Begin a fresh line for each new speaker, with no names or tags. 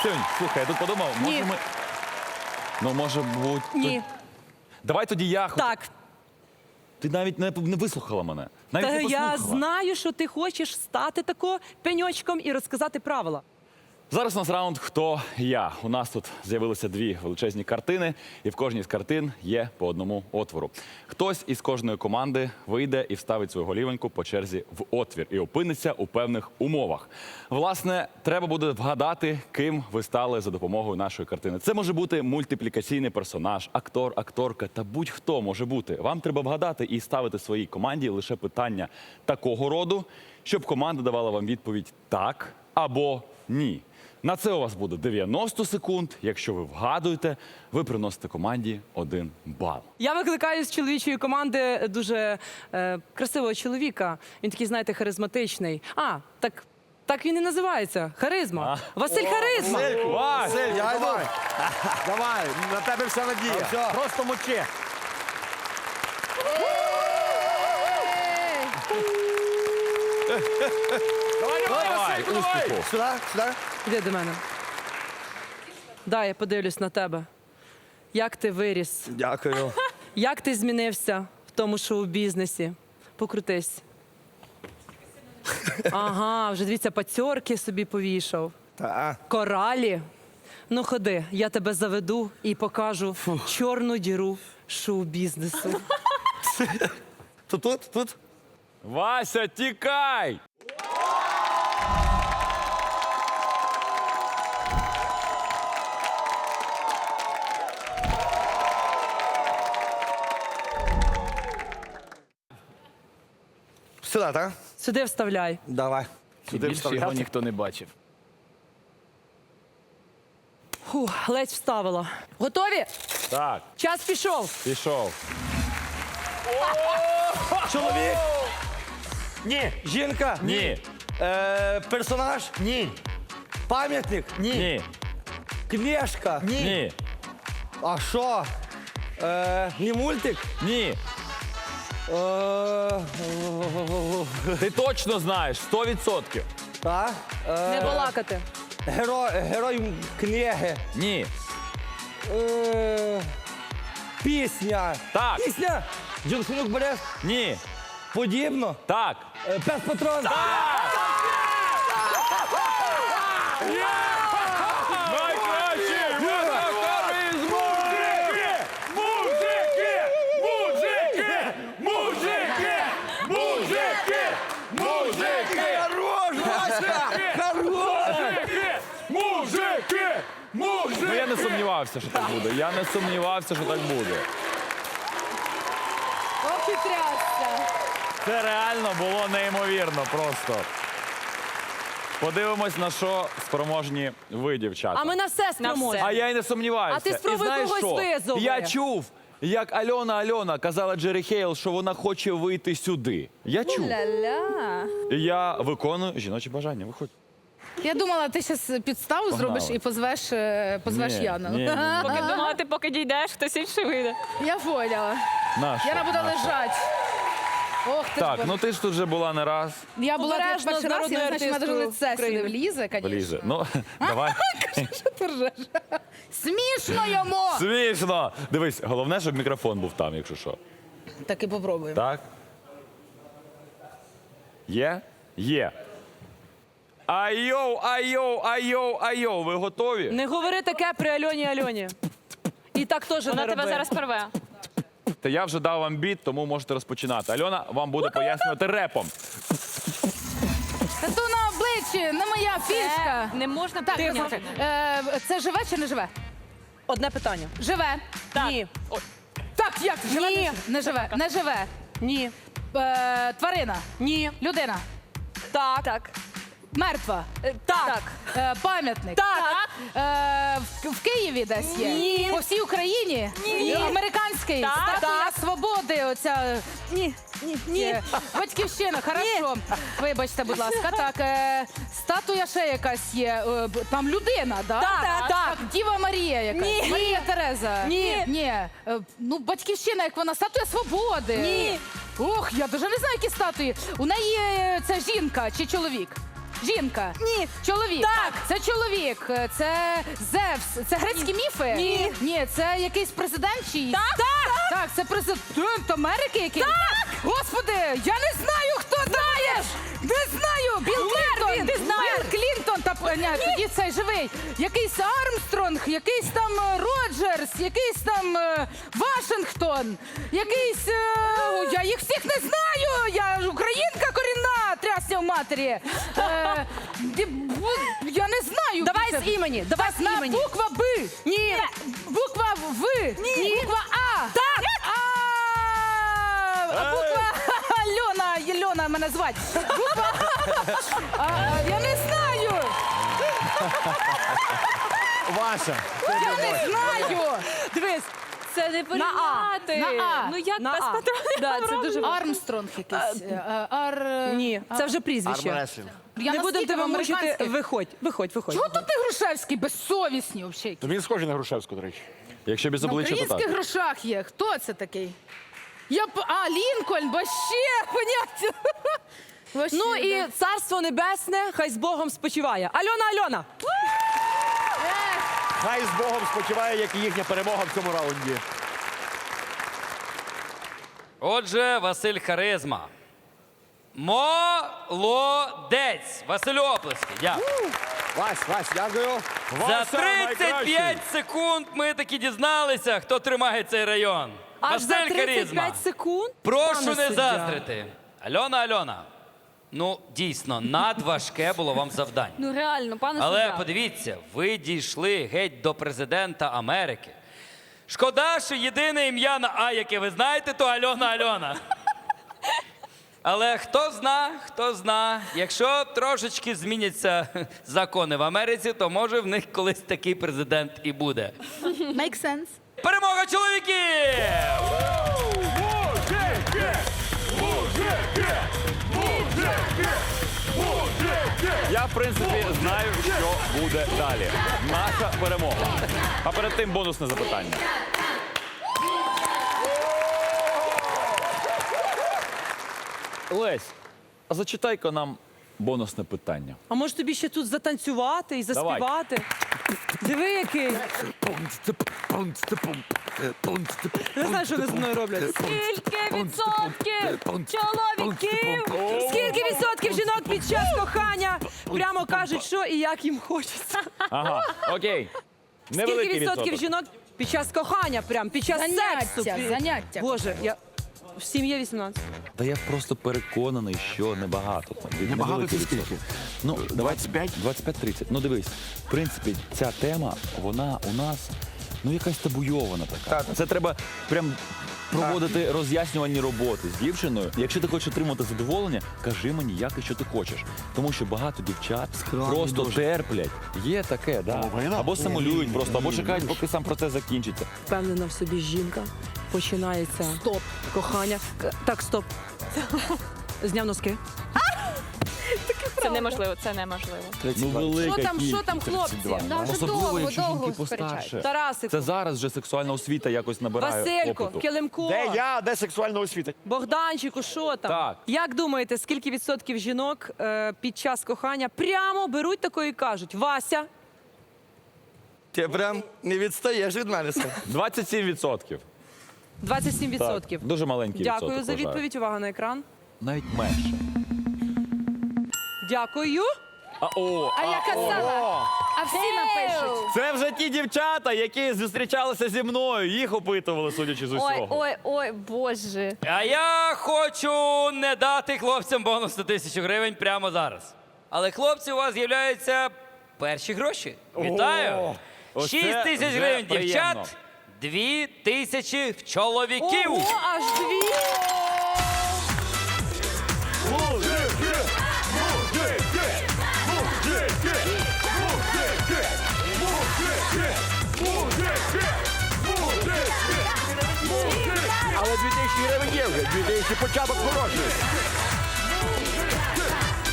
Ксюнь, слухай, я тут подумав,
Ні.
може ми... Ну, може бути...
Ні.
Давай тоді я...
Так.
Ти навіть не вислухала мене. Навіть
Та
не послухала.
я знаю, що ти хочеш стати тако пеньочком і розказати правила.
Зараз у нас раунд «Хто я?». У нас тут з'явилися дві величезні картини, і в кожній з картин є по одному отвору. Хтось із кожної команди вийде і вставить свою голівоньку по черзі в отвір і опиниться у певних умовах. Власне, треба буде вгадати, ким ви стали за допомогою нашої картини. Це може бути мультиплікаційний персонаж, актор, акторка та будь-хто може бути. Вам треба вгадати і ставити своїй команді лише питання такого роду, щоб команда давала вам відповідь «так» або «ні». На це у вас буде 90 секунд. Якщо ви вгадуєте, ви приносите команді 1 бал.
Я викликаю з чоловічої команди дуже красивого чоловіка. Він такий, знаєте, харизматичний. Так він і називається. Харизма. Василь Харизма.
Вась!
Я йду. Давай, на тебе вся надія. Просто мочи.
Давай, успіху.
Сюди, сюди.
Іди до мене. Дай, я подивлюсь на тебе. Як ти виріс?
Дякую.
Як ти змінився в тому шоу-бізнесі? Покрутись. Ага, вже дивіться, пацьорки собі повішав.
Та.
Коралі. Ну ходи, я тебе заведу і покажу чорну діру шоу-бізнесу.
Тут.
Вася, тікай!
Сюди, так?
Сюди вставляй.
Давай. Сюди
Більше його
вставляти.
ніхто не бачив.
Фух, ледь вставила. Готові?
Так,
Час пішов.
пішов.
Чоловік? Ні. Жінка?
Ні,
Персонаж? Ні. Пам'ятник?
ні,
Книжка?
ні,
А що? Не мультик?
ні.
Е,
Ти точно знаєш, 100%.
Та?
Не балакати.
Герой книги.
Ні.
Пісня.
Так.
Пісня? Джонсонюк Борис?
Ні.
Подібно?
Так.
Пес Патрон?
Найкращий харизму!
Хорош, Вася! Хорош!
Ну, я не сумнівався, що так буде. Я не сумнівався, що так буде.
Ох і трясся.
Це реально було неймовірно просто. Подивимось, на що спроможні ви, дівчата.
А ми на все спроможні.
А я й не сумніваюся.
А ти спробуй
І знаєш
когось
що?
визови.
Я чув, як Альона казала Джері Хейл, що вона хоче вийти сюди. Я чув.
Ля-ля.
І я виконую жіночі бажання. Виходь.
Я думала, ти зараз підставу зробиш і позвеш
Ні,
Яну.
ні, ні, ні.
Поки думала, ти поки дійдеш, хтось інший вийде.
Я поняла.
Нащо?
Яна буде
Нащо?
лежати. Ох, ти
Так,
ж
ну ти ж тут вже була не раз.
я була тут
Обережно
перший
з
раз, я не знаю, що
народною
мене лице
артисткою
сюди влізе, звісно.
Влізе. Ну, давай.
Що ти ржеш? Смішно йому!
Смішно. Дивись, головне, щоб мікрофон був там, якщо що.
Так і попробуємо.
Так? Є? Є. Айоу. Ви готові?
Не говори таке при Альоні. І так теж
Вона
не
тебе
роби.
зараз порве.
Та я вже дав вам біт, тому можете розпочинати. Альона вам буде пояснювати репом.
Тату на обличчі, не моя фішка.
Не можна
Так,
прийняти.
це живе чи не живе?
Одне питання.
Живе.
Ні.
Так, як? Живе?
Ні.
Не живе. Не живе.
Ні.
Тварина.
Ні.
Людина.
Так.
Мертва.
Так.
Пам'ятник.
Так.
В Києві десь є?
Ні.
По всій Україні?
Ні.
Американський?
Так.
Статуя
Так.
Свободи, оця... Ні. Батьківщина, хорошо. Вибачте, будь ласка. Так, статуя ще якась є. Там людина, да?
Так.
Діва Марія якась.
Ні.
Марія Тереза.
Ні.
Ну, батьківщина, як вона, статуя Свободи.
Ні.
Ох, я дуже не знаю, які статуї. У неї це жінка чи чоловік? Жінка.
Ні.
Чоловік.
Так.
Це чоловік. Це Зевс. Це грецькі міфи?
Ні.
Ні, це якийсь президент чиїсь? Так. Так, це президент Америки якийсь? Так. Господи, я не знаю, хто знаєш. Не знаю. Білл Клінтон.
Ти знаєш.
Білл Клінтон. Ні, тоді цей живий. Якийсь Армстронг, якийсь там Роджерс, якийсь там Вашингтон, якийсь... я їх всіх не знаю. Я ж українка корінна, трясся в матері. Я не знаю.
Давай
Це-
з імені. Давай з
на
імені.
буква Б.
Ні.
Буква В.
Ні.
Буква А.
Так.
Буква Альона мене звати. Буква я не знаю.
Ваша.
Я не знаю.
Дивись.
Це не порівняти.
На А.
Ну як
На
без
А.
патронів?
Да, це дуже важливо.
Армстронг якийсь.
Ні, це вже прізвище.
Армреслінг.
Я
Не
на
будемо тебе мучити.
східноамериканських.
Виходь.
Чого тут ти Грушевський безсовісні взагалі?
То він схожий на Грушевську, до речі.
Якщо без
На
обличчя, то
українських
так.
грошах є. Хто це такий? Лінкольн, вообще, поняття. Вообще,
Ну і
да.
царство небесне, хай з Богом спочиває. Альона.
Хай з Богом спочиває, як і їхня перемога в цьому раунді.
Отже, Василь Харизма. Молодець! Василю оплески. Дякую.
Вась, дякую.
За
Вася
35 секунд ми таки дізналися, хто тримає цей район.
Аж за
Василь Харизма.
35 секунд?
Прошу
Пане
не
суддя.
заздрити. Альона. Ну, дійсно, надважке було вам завдання.
Ну реально, пане
Але
суддя.
подивіться, ви дійшли геть до президента Америки. Шкода, що єдине ім'я на А, яке ви знаєте, то Альона. Але хто зна, якщо трошечки зміняться закони в Америці, то може в них колись такий президент і буде.
Make sense.
Перемога чоловіків!
Я, в принципі, знаю, що буде далі. Наша перемога. А перед тим бонусне запитання. Лесь, а зачитай-ка нам бонусне питання.
А може тобі ще тут затанцювати і
Давай.
заспівати? Диви, який. Не знаю, що вони з мною роблять.
Скільки відсотків чоловіків?
Скільки відсотків жінок під час кохання прямо кажуть, що і як їм хочеться?
Ага, окей.
Скільки
Невеликий
відсотків
відсоток.
жінок під час кохання, прям під час сексу?
Заняття.
Боже, я в сім'ї 18.
Та я просто переконаний, що небагато.
Небагато
Невеликий
це скільки?
відсоток. Ну,
25?
25-30. Ну дивись, в принципі, ця тема, вона у нас якась табуйована така. Це треба прям проводити роз'яснювальні роботи з дівчиною. Якщо ти хочеш отримати задоволення, кажи мені, як і що ти хочеш. Тому що багато дівчат просто терплять. Є таке, да.
Половина?
Або симулюють просто, або чекають, поки сам процес закінчиться.
Впевнена в собі жінка. Починається
Стоп.
кохання. Так, стоп. Зняв носки.
Це неможливо, це неможливо.
Ну, велика
Що там,
кількість.
хлопці?
Да,
вже
Особливо,
довго,
якщо
довго
жінки
сперечаються.
постарше.
Тарасику,
Це зараз вже сексуальна освіта якось набирає
Василько,
опиту.
Килимко,
Де я, де сексуальна освіта?
Богданчику, що там?
Так.
Як думаєте, скільки відсотків жінок під час кохання прямо беруть такої і кажуть: Вася,
Ти прям не відстаєш від мене.
27%.
27%.
Так, дуже маленький
Дякую
відсоток,
за
вважаю.
відповідь. Увага на екран.
Навіть менше.
Дякую.
А я казала, а всі напишуть.
Це вже ті дівчата, які зустрічалися зі мною. Їх опитували, судячи з усього.
Ой, боже.
А я хочу не дати хлопцям бонус на 1000 гривень прямо зараз. Але хлопці, у вас з'являються перші гроші. Вітаю!
Оце
6 тисяч
вже
гривень
приємно.
дівчат, 2000 в чоловіків.
Ого, аж дві.
Але 2000 гривень є вже, 2000 початок хороший.